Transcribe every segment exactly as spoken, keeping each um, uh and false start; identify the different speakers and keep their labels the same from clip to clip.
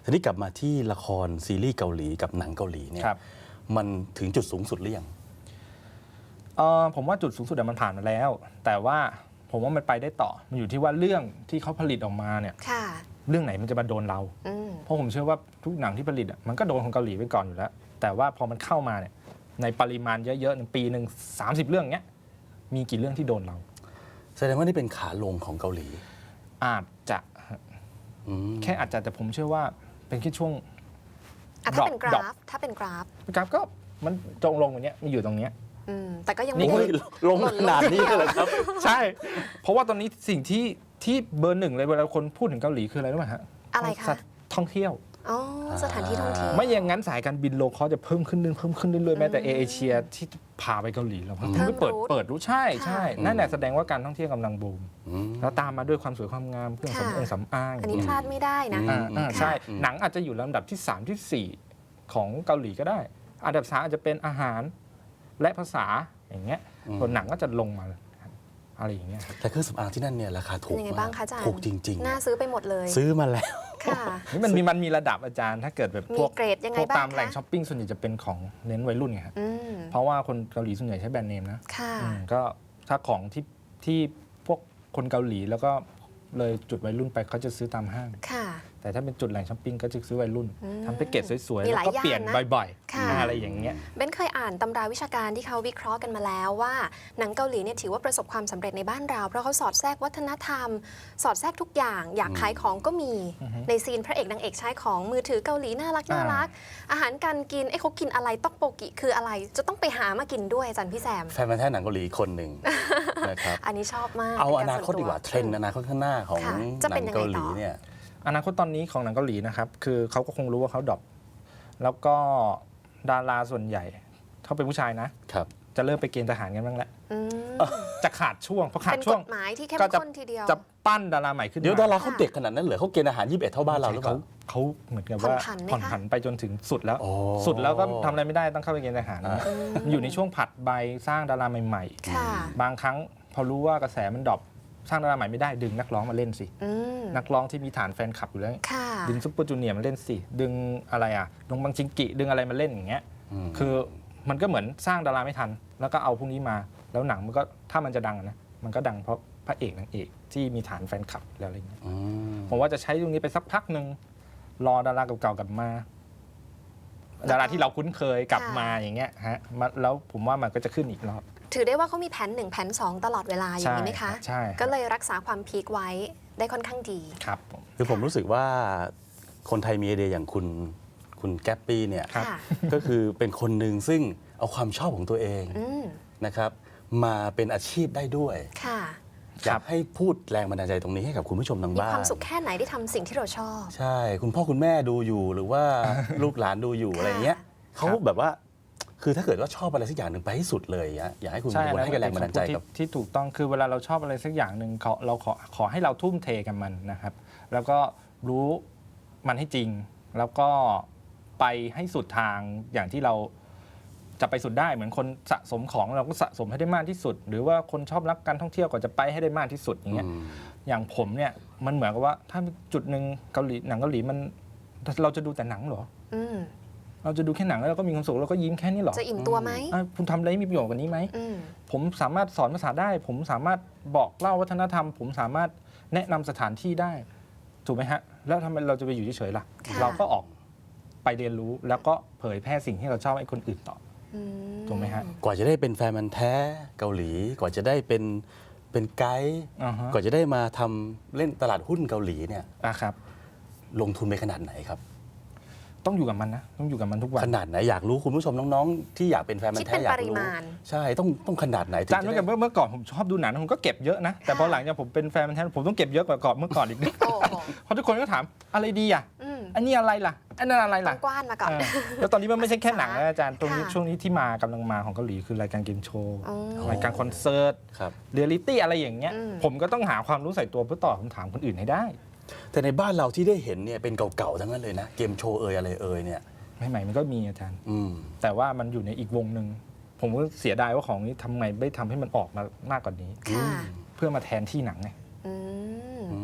Speaker 1: ทีนี้กลับมาที่ละครซีรีส์เกาหลีกับหนังเกาหลีเนี่ยมันถึงจุดสูงสุดหรือยัง
Speaker 2: เออผมว่าจุดสูงสุดมันผ่านมาแล้ว แต่ว่าผมว่ามันไปได้ต่อมันอยู่ที่ว่าเรื่องที่เขาผลิตออกมาเนี่ยเรื่องไหนมันจะมาโดนเราเพราะผมเชื่อว่าทุกหนังที่ผลิตมันก็โดนของเกาหลีไปก่อนอยู่แล้วแต่ว่าพอมันเข้ามาเนี่ยในปริมาณเยอะๆในปีหนึ่งสามสิบเรื่องเนี้ยมีกี่เรื่องที่โดนเรา
Speaker 1: แสดงว่านี่เป็นขาลงของเกาหลี
Speaker 2: อาจจะแค่อาจจะแต่ผมเชื่อว่าเป็นแค่ช่วง
Speaker 3: ถ้าเป็นกราฟถ้าเป็นกราฟ
Speaker 2: กราฟก็มันจงลงอย่างเนี้ยมันอยู่ตรงเนี้ย
Speaker 3: แต่ก็ยังไม่
Speaker 1: ลงขนาดนี้เลยครับ
Speaker 2: ใช่เพราะว่าตอนนี้สิ่งที่ที่เบอร์หนึ่งเลยเวลาคนพูดถึงเกาหลีคืออะไรรู้ไหมฮะ
Speaker 3: อะไรคะ
Speaker 2: ท่องเที่ยว
Speaker 3: อ๋อสถานที่ท่องเที่ยว
Speaker 2: ไม่อย่างนั้นสายการบินโลคอสจะเพิ่มขึ้นเรื่อยเพิ่มขึ้นเรื่อยๆแม้แต่เอเชียที่พาไปเกาหลีเราเพิ่งไปเปิดเปิดรู้ใช่ใช่นั่นแหละแสดงว่าการท่องเที่ยวกำลังบูมแล้วตามมาด้วยความสวยความงามเครื่องสำอางสำอาง
Speaker 3: อันนี้พลาดไม่ได้นะ
Speaker 2: ใช่หนังอาจจะอยู่ลำดับที่สามที่สี่ของเกาหลีก็ได้อันดับสามอาจจะเป็นอาหารและภาษาอย่างเงี้ยส่วนหนังก็จะลงมาอะไรอย่างเงี้ย
Speaker 1: แต่เครื่องสำอางที่นั่นเนี่ยราคาถูกมากถูกจริง
Speaker 3: ๆน่าซื้อไปหมดเลย
Speaker 1: ซื้อมาแล้ว
Speaker 3: ค่ะ
Speaker 2: นี่มันมีมันมีระดับอาจารย์ถ้าเกิดแบบพวก
Speaker 3: เกรดยังไงบ้าง
Speaker 2: ตามแหล่งช้อปปิ้งส่วนใหญ่จะเป็นของเน้นวัยรุ่นไงครับเพราะว่าคนเกาหลีส่วนใหญ่ใช้แบรนด์เนมนะก็ถ้าของที่ที่พวกคนเกาหลีแล้วก็เลยจุดวัยรุ่นไปเขาจะซื้อตามห้างแต่ถ้าเป็นจุดแหล่งช้อปปิ้งก็จะซื้อวัยรุ่นทำแพ็กเกจสวยๆแล้วก็เปลี่ยนบ่อยๆอะไรอย่างเงี้ย
Speaker 3: เบนเคยอ่านตำราวิชาการที่เขาวิเคราะห์กันมาแล้วว่าหนังเกาหลีเนี่ยถือว่าประสบความสำเร็จในบ้านเราเพราะเขาสอดแทรกวัฒนธรรมสอดแทรกทุกอย่างอยากขายของก็มีในซีนพระเอกนางเอกใช้ของมือถือเกาหลีน่ารักน่ารักอาหารการกินไอ้เขากินอะไรต๊อกโปกิคืออะไรจะต้องไปหามากินด้วยอาจารย์พี่แซม
Speaker 1: แฟนมันแท้หนังเกาหลีคนหนึ่งนะครับ
Speaker 3: อันนี้ชอบมาก
Speaker 1: เอาอนาคตดีกว่าเทรนด์อนาคตข้างหน้าของหนังเกาหลีเนี่ย
Speaker 2: อนาคตตอนนี้ของหนังเกาหลีนะครับคือเขาก็คงรู้ว่าเขาดรอปแล้วก็ดาราส่วนใหญ่เขาเป็นผู้ชายนะครับจะเริ่มไปเกณฑ์ทหารกันบ้างแล้วจะขาดช่วงเพราะขาดช่วง
Speaker 3: เป็นกฎหมายที่เข้มข้นทีเดียว
Speaker 2: จะปั้นดาราใหม่ขึ้น
Speaker 1: เดี๋ยวดาราเขาเด็กขนาดนั้นเหรอเขาเกณฑ์อาหารยี่สิบเอ็ดเท่าบ้านเราหรือเปล่า
Speaker 2: เขาเหมือนกับว่าผ่อนผันไปจนถึงสุดแล้วสุดแล้วก็ทำอะไรไม่ได้ต้องเข้าไปเกณฑ์ทหารอยู่ในช่วงผัดใบสร้างดาราใหม่ๆบางครั้งพอรู้ว่ากระแสมันดรอปสร้างดาราใหม่ไม่ได้ดึงนักร้องมาเล่นสินักร้องที่มีฐานแฟนคลับอยู่แล้วดึงซุปเปอร์จูเนียร์มาเล่นสิดึงอะไรอ่ะดงบังชิงกิดึงอะไรมาเล่นอย่างเงี้ยคือมันก็เหมือนสร้างดาราไม่ทันแล้วก็เอาพวกนี้มาแล้วหนังมันก็ถ้ามันจะดังนะมันก็ดังเพราะพระเอกนางเอกที่มีฐานแฟนคลับแล้วอะไรเงี้ยผมว่าจะใช้ตรงนี้ไปสักพักหนึ่งรอดาราเก่าๆกลับมาดาราที่เราคุ้นเคยกลับมาอย่างเงี้ยฮะแล้วผมว่ามันก็จะขึ้นอีกรอบ
Speaker 3: ถือได้ว่าเขามีแผนหนึ่งแผนสองตลอดเวลาอย่างนี้ไหมคะ
Speaker 2: ใช่
Speaker 3: ก็เลยรักษาความพีคไว้ได้ค่อนข้างดี
Speaker 2: ครับ
Speaker 1: คือผมรู้สึกว่าคนไทยมีไอเดียอย่างคุณคุณแก๊ปปี้เนี่ยก็คือเป็นคนหนึ่งซึ่งเอาความชอบของตัวเองนะครับมาเป็นอาชีพได้ด้วยอยากให้พูดแรงบันดาลใจตรงนี้ให้กับคุณผู้ชมทางบ้าน
Speaker 3: มีความสุขแค่ไหนที่ทำสิ่งที่เราชอบ
Speaker 1: ใช่คุณพ่อคุณแม่ดูอยู่หรือว่าลูกหลานดูอยู่อะไรเงี้ยเขาแบบว่าคือถ้าเกิดว่าชอบอะไรสักอย่างหนึ่งไปให้สุดเลยอยากให้คุณคนให้แรงบันดาลใจกับ
Speaker 2: ที่ถูกต้องคือเวลาเราชอบอะไรสักอย่างหนึ่งเราขอขอให้เราทุ่มเทกับมันนะครับแล้วก็รู้มันให้จริงแล้วก็ไปให้สุดทางอย่างที่เราจะไปสุดได้เหมือนคนสะสมของเราก็สะสมให้ได้มากที่สุดหรือว่าคนชอบรักการท่องเที่ยวก็จะไปให้ได้มากที่สุดอย่างเงี้ยอย่างผมเนี่ยมันเหมือนกับว่าถ้าจุดหนึ่งเกาหลีหนังเกาหลีมันเราจะดูแต่หนังเหรอเราจะดูแค่หนังแล้วเราก็มีความสุขเราก็ยิ้มแค่นี้หรอ
Speaker 3: จะอิ่มตัวไหม
Speaker 2: คุณทำอะไรมีประโยชน์กว่านี้ไหมผมสามารถสอนภาษาได้ผมสามารถบอกเล่าวัฒนธรรมผมสามารถแนะนำสถานที่ได้ถูกไหมฮะแล้วทำไมเราจะไปอยู่เฉยๆล่ะเราก็ออกไปเรียนรู้แล้วก็เผยแพร่สิ่งที่เราชอบให้คนอื่นต่อถูกไหมฮะ
Speaker 1: กว่าจะได้เป็นแฟนมันแท้เกาหลีกว่าจะได้เป็นเป็นไกด์กว่าจะได้มาทำเล่นตลาดหุ้นเกาหลีเนี่ย
Speaker 2: ครับ
Speaker 1: ลงทุนไปขนาดไหนครับ
Speaker 2: ต้องอยู่กับมันนะต้องอยู่กับมันทุกวัน
Speaker 1: ขนาดไหนอยากรู้คุณผู้ชมน้องๆที่อยากเป็นแฟนมันแท้อยากรู้ใช่ต้องต้องขนาดไหน
Speaker 2: จานเมื่อเมื่อก่อนผมชอบดูหนังผมก็เก็บเยอะนะแต่พอหลังจากผมเป็นแฟนมันแท้ผมต้องเก็บเยอะกว่าก่อนเมื่อก่อนอีกเพราะทุกคนก็ถามอะไรดีอ่ะอันนี้อะไรล่ะอันนั้นอะไรล่ะ
Speaker 3: กว้านมาก่อน
Speaker 2: แล้วตอนนี้มันไม่ใช่แค่หนังนะอาจารย์ตรงนี้ช่วงนี้ที่มากำลังมาของเกาหลีคือรายการเกมโชว์รายการคอนเสิร์ตเรียลลิตี้อะไรอย่างเงี้ยผมก็ต้องหาความรู้ใส่ตัวเพื่อตอบคำถามคนอื่นให้ได้
Speaker 1: แต่ในบ้านเราที่ได้เห็นเนี่ยเป็นเก่าๆทั้งนั้นเลยนะเกมโชว์เอ่ยอะไรเอ่ยเนี่ย
Speaker 2: ใหม่ๆมันก็มีอาจารย์แต่ว่ามันอยู่ในอีกวงหนึ่งผมก็เสียดายว่าของนี้ทำไมไม่ทำให้มันออกมามากกว่านี้เพื่อมาแทนที่หนังไง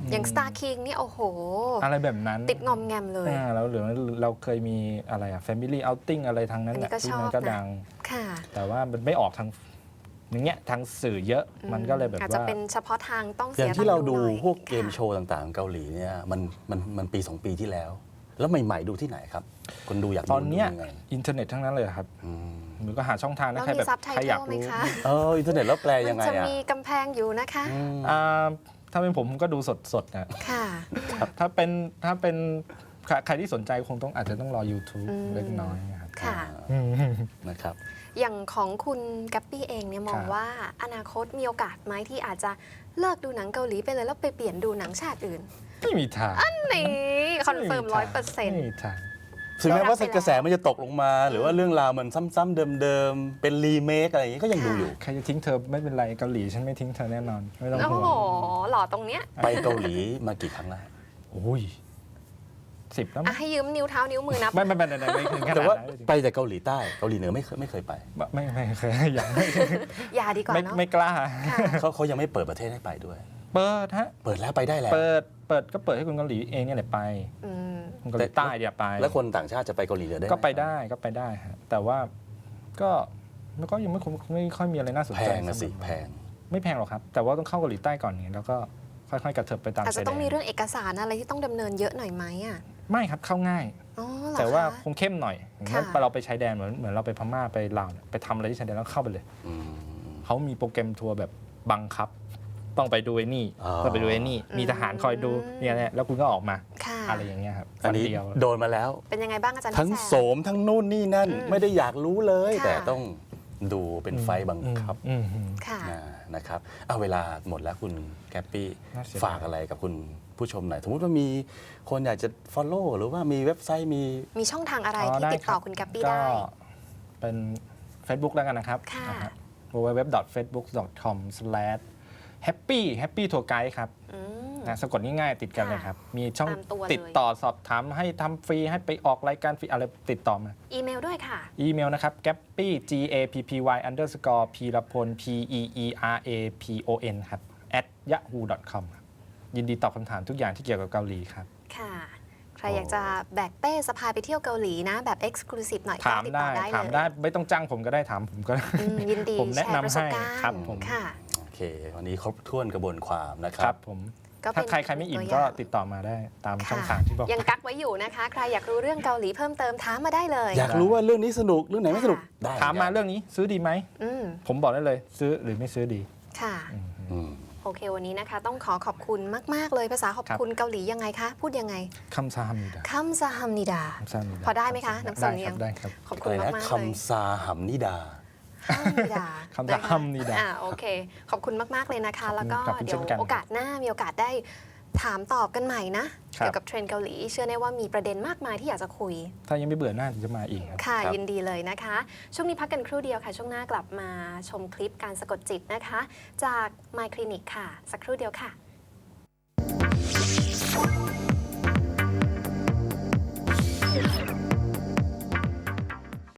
Speaker 3: อย่าง Star King นี่โอ้โห
Speaker 2: อะไรแบบนั้น
Speaker 3: ติดงอมแงมเลย
Speaker 2: อ่าแล้วหรือเราเคยมีอะไรอะ Family Outing อะไรทางนั้น
Speaker 3: อันนี้
Speaker 2: น่ะ
Speaker 3: ก็
Speaker 2: ที่
Speaker 3: ชอบ
Speaker 2: มันก็
Speaker 3: นะ
Speaker 2: ดัง
Speaker 3: ค่ะ
Speaker 2: แต่ว่ามันไม่ออกทางอย่างเงี้ยทางสื่อเยอะมันก็เลยแบบ
Speaker 3: อาจจะ
Speaker 2: ว่า
Speaker 3: เป็นเฉพาะทางต้อง
Speaker 1: อ
Speaker 3: เสี
Speaker 1: ย่าย งที่เราดู
Speaker 3: ตังค์หน่อย
Speaker 1: พวกเกม
Speaker 3: ค่ะ
Speaker 1: โชว์ต่างๆของเกาหลีเนี่ยมันมันมันปีสองปีที่แล้ว แล้วใหม่ๆดูที่ไหนครับ คนดูอยากดู
Speaker 2: ตอนเนี้ย
Speaker 1: ดูยังไง
Speaker 2: อินเทอร์เน็ตทั้งนั้นเลยครับ
Speaker 1: อืม
Speaker 2: หรือก็หาช่องทางนะ
Speaker 3: แล้ว
Speaker 2: ใคร
Speaker 3: มี
Speaker 2: แบบ
Speaker 3: ซับไท
Speaker 2: ใคร
Speaker 3: เท
Speaker 2: อยาก
Speaker 3: ลไหม
Speaker 2: รู้
Speaker 3: คะ
Speaker 1: เอออินเทอร์เน็ตแล้วแปล
Speaker 3: มั
Speaker 1: ยังไง
Speaker 3: จะ
Speaker 1: อ่ะ
Speaker 3: มีกำแพงอยู่นะคะ
Speaker 1: อืม
Speaker 2: อ่าถ้าเป็นผมผมก็ดูสดๆนะ
Speaker 3: ค่ะ
Speaker 2: ถ้าเป็นถ้าเป็นใครใครที่สนใจคงต้องอาจจะต้องรอ YouTube
Speaker 3: อืม
Speaker 2: เล็กน้อยครับ
Speaker 3: ค่ะ
Speaker 2: อืม
Speaker 1: นะครับ
Speaker 3: อย่างของคุณกัปปี้เองเนี่ยมอง
Speaker 2: ครับ
Speaker 3: ว่าอนาคตมีโอกาสไหมที่อาจจะเลิกดูหนังเกาหลีไปเลยแล้วไปเปลี่ยนดูหนังชาติอื่น
Speaker 2: ไม่มีทาง
Speaker 3: นี่คอนเฟิร์มร้อยเปอร์เซ็น
Speaker 2: ไม่
Speaker 3: ต์
Speaker 2: มีทาง
Speaker 1: ถึงแม้ว่า
Speaker 3: ได้รับไปแล้ว
Speaker 1: กระแสมันจะตกลงมา หรือว่าเรื่องราวมันซ้ำๆเดิมๆ เป็นรีเมคอะไรอย่างนี้ก็ยังดูอยู่
Speaker 2: ใครจะทิ้งเธอไม่เป็นไรเกาหลีฉันไม่ทิ้งเธอแน่นอน ไม่ต้อง
Speaker 3: โอ้
Speaker 2: ห่ว
Speaker 3: โห
Speaker 2: ง
Speaker 3: หล่อตรงเนี้ย
Speaker 1: ไปเกาหลีมากี่ครั้งแล้ว
Speaker 2: โอ้ยสิบแล้วมั้
Speaker 3: อ่ะ
Speaker 2: ง
Speaker 3: ให้ยืมนิ้วเท้านิ้วมือนับ
Speaker 2: ไม่ไม่ไม่ไม่ไม่ถึงขนาด
Speaker 1: แต่ว่า
Speaker 2: นั้น
Speaker 1: ไปแต่เกาหลีใต้เกาหลีเหนือไม่เคยไม่เคยไป
Speaker 2: ไม่ไม่ไม่เคยอย่างไม่
Speaker 3: อย่าดีกว่า
Speaker 2: ไม่
Speaker 3: เนาะ
Speaker 2: ไม่กล้า
Speaker 3: ค่ะ
Speaker 1: เขาเขายังไม่เปิดประเทศให้ไปด้วย
Speaker 2: เปิดฮะ
Speaker 1: เปิดแล้วไปได้แล้ว
Speaker 2: เปิดเปิดก็เปิดให้คนเกาหลีเองเนี่ยแหละไป
Speaker 3: อืม
Speaker 2: คนเกาหลีใต้เดี๋ยวไป
Speaker 1: แล้วคนต่างชาติจะไปเกาหลีเหนือได้หม
Speaker 2: ก็ไปได้ก็ไปได้ฮะแต่ว่าก็มันก็ยังไม่คงไม่ค่อยมีอะไรน่าสน
Speaker 1: แพ
Speaker 2: ใจ
Speaker 1: งนะสิ
Speaker 2: สำหรับ
Speaker 1: แพง
Speaker 2: ไม่แพงหรอกครับ แต่ว่าต้องเข้าเกาหลีใต้ก่อนเนี่ยแล้วก็ค่อยๆกระเถิบไปตาม
Speaker 3: อาจจะ
Speaker 2: ชายแด
Speaker 3: ต้องมี
Speaker 2: น
Speaker 3: เรื่องเอกสารอะไรที่ต้องดำเนินเยอะหน่อยไหมอ่ะ
Speaker 2: ไม่ครับเข้าง่าย
Speaker 3: อ๋อเหรอ
Speaker 2: แต่ว่า
Speaker 3: คะ
Speaker 2: คงเข้มหน่อยอย่างเช่น
Speaker 3: ค่ะ
Speaker 2: เราไปชายแดนเหมือนเหมือนเราไปพม่าไปลาวเนี่ยไปทำอะไรที่ชายแดนแล้วเข้าไปเลย
Speaker 1: อืม
Speaker 2: เขามีโปรแกรมทัวร์แบบบังคับ ต้องไปดูไอ้นี่
Speaker 1: อ๋อ
Speaker 2: ต้องไปดูไอ้นี่ มีทหารคอยดูเนี่ยแหละแล้วคุณก็ออกมา
Speaker 3: ค่ะ
Speaker 2: อะไรอย่างเงี้ยครับ
Speaker 1: อันนี้
Speaker 2: วัเดียว
Speaker 1: โดนมาแล้ว
Speaker 3: เป็นยังไงบ้างอาจารย์
Speaker 1: ทั้ง
Speaker 3: พิแส
Speaker 1: โสมทั้งนู่นนี่นั่น
Speaker 3: อืม
Speaker 1: ไม่ได้อยากรู้เลย
Speaker 3: ค่ะ
Speaker 1: แต่ต้องดูเป็นไฟล์บังคับ
Speaker 2: อืมอืม
Speaker 3: ค่ะ
Speaker 1: อ่านะครับเอาเวลาหมดแล้วคุณแกปปี้
Speaker 2: น่าเสียดาย
Speaker 1: ฝากอะไรกับคุณผู้ชมหน่อยสมมติว่ามีคนอยากจะ Follow หรือว่ามีเว็บไซต์มี
Speaker 3: มีช่องทางอะไร
Speaker 2: อ๋อ
Speaker 3: ที่ติดต่อ
Speaker 2: รับ
Speaker 3: คุณกัปปี้
Speaker 2: ก็
Speaker 3: ได้
Speaker 2: เป็น Facebook แล้วกันนะครับ
Speaker 3: ค่ะ
Speaker 2: นะฮะ ดับเบิลยู ดับเบิลยู ดับเบิลยู ดอท เฟซบุ๊ก ดอท คอม สแลช แฮปปี้ แฮปปี้ ทัวร์ไกด์ครับ
Speaker 3: อืม
Speaker 2: นะสะกดง่ายๆติดกันเลยครับ มีช่อง
Speaker 3: ตามตัวเลย
Speaker 2: ติดต่อสอบถามให้ทำฟรีให้ไปออกรายการฟรีอะไรติดต่อมา
Speaker 3: อีเมลด้วยค่ะ
Speaker 2: อีเมลนะครับ gappy g a p p y underscore พีรพล p e e r a p o n ครับ at yahoo dot com ครับยินดีตอบคำถามทุกอย่างที่เกี่ยวกับเกาหลีครับ
Speaker 3: ค่ะ ใครอยากจะแบกเป้สะพายไปเที่ยวเกาหลีนะ แบบเอ็กซ์คลูซีฟหน่อยก็
Speaker 2: ถาม
Speaker 3: ติด
Speaker 2: ได้
Speaker 3: ต่อได้
Speaker 2: ถาม
Speaker 3: เลย
Speaker 2: ได้ไม่ต้องจ้างผมก็ได้ถามผมก็ได้
Speaker 3: อืมยินดี
Speaker 2: ผมแนะ
Speaker 3: แชร์ประ
Speaker 2: นำ
Speaker 3: สบ
Speaker 2: ให้
Speaker 3: การณ์
Speaker 2: ครับผม
Speaker 3: ค่ะ
Speaker 1: โอเค วันนี้ครบถ้วนกระบวนความนะค
Speaker 2: ค
Speaker 1: รั
Speaker 2: รับ บผม
Speaker 3: ก็เป็น
Speaker 2: ถ้าใครใครไม่อิ่ม
Speaker 3: ตัว
Speaker 2: ก็
Speaker 3: อย่าง
Speaker 2: ติดต่อมาได้ตาม
Speaker 3: ค่ะ
Speaker 2: ช่องทางที่บอก
Speaker 3: ยังกักไว้อยู่นะคะ ใครอยากรู้เรื่องเกาหลีเพิ่มเติมถามมาได้เลย
Speaker 1: อยากรู้ว่าเรื่องนี้สนุกเรื่องไหนไม่สนุก
Speaker 3: ค่ะ
Speaker 1: ได้
Speaker 2: ถามมาเรื่องนี้ซื้อดีไหม
Speaker 3: อืม
Speaker 2: ผมบอกได้เลย ซื้อหรือไม่ซื้อดี
Speaker 3: ค่ะ
Speaker 1: อืม
Speaker 3: โอเควันนี้นะคะ ต้องขอขอบคุณมาก ๆ เลยภาษาขอบคุณเกาหลียังไงคะ พูดยังไง
Speaker 2: คำซาฮัมนิดา
Speaker 3: คัมซาฮัมนิดา
Speaker 2: คำซาฮัมนิดา
Speaker 3: พอได้ไหมคะน้ำสำเนียง
Speaker 2: ได้ครับ
Speaker 3: ขอบคุ
Speaker 1: อะ
Speaker 3: ณ
Speaker 1: ไร
Speaker 3: มา
Speaker 1: นะ
Speaker 3: ก ๆ เลย
Speaker 1: คำซาหัมนิดา
Speaker 3: ฮัมนิดา
Speaker 2: คำซาฮัมนิดา
Speaker 3: อ่าโอเค ขอบคุณมาก ๆ เลยนะคะ แล้วก็
Speaker 2: ขอบคุณ
Speaker 3: เดี๋ยว
Speaker 2: เช่นกัน
Speaker 3: โอกาสหน้ามีโอกาสได้ถามตอบกันใหม่นะ
Speaker 2: ครับ
Speaker 3: เกี่ยวกับเทรนด์เกาหลี เชื่อแน่ว่ามีประเด็นมากมายที่อยากจะคุย
Speaker 2: ถ้ายังไม่เบื่อหน้าจะมาอีกครับ
Speaker 3: ค่ะ
Speaker 1: ครับ
Speaker 3: ยินดีเลยนะคะ ช่วงนี้พักกันครู่เดียวค่ะ ช่วงหน้ากลับมาชมคลิปการสะกดจิตนะคะ จาก My Clinic ค่ะ สักครู่เดียวค่ะ